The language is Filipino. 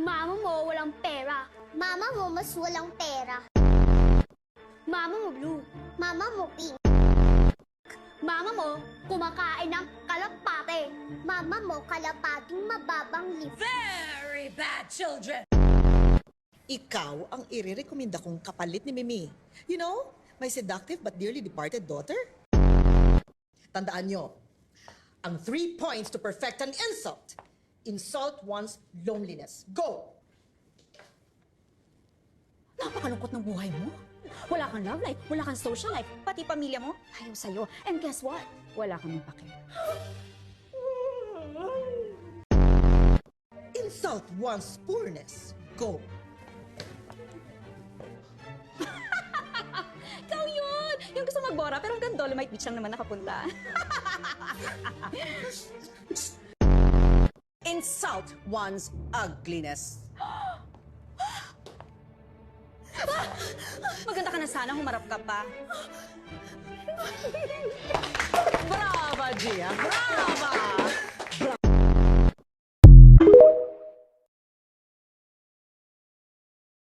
Mama mo walang pera. Mama mo mas walang pera. Mama mo blue. Mama mo pink. Mama mo kumakain ng kalapate. Mama mo kalapating mababang lift. Very bad children! Ikaw ang irerekomenda kong kapalit ni Mimi. You know, my seductive but dearly departed daughter? Tandaan nyo, ang 3 points to perfect an insult. Insult one's loneliness. Go! Napakalungkot ng buhay mo. Wala kang love life, wala kang social life, pati pamilya mo, ayaw sa'yo. And guess what? Wala kang pake. Insult one's poorness. Go! Ikaw yun! Yung gusto magbora, pero hanggang Dolomite Beach lang naman nakapunta. Insult one's ugliness. Maganda ka na sana, humarap ka pa. Brava, Gia! Brava!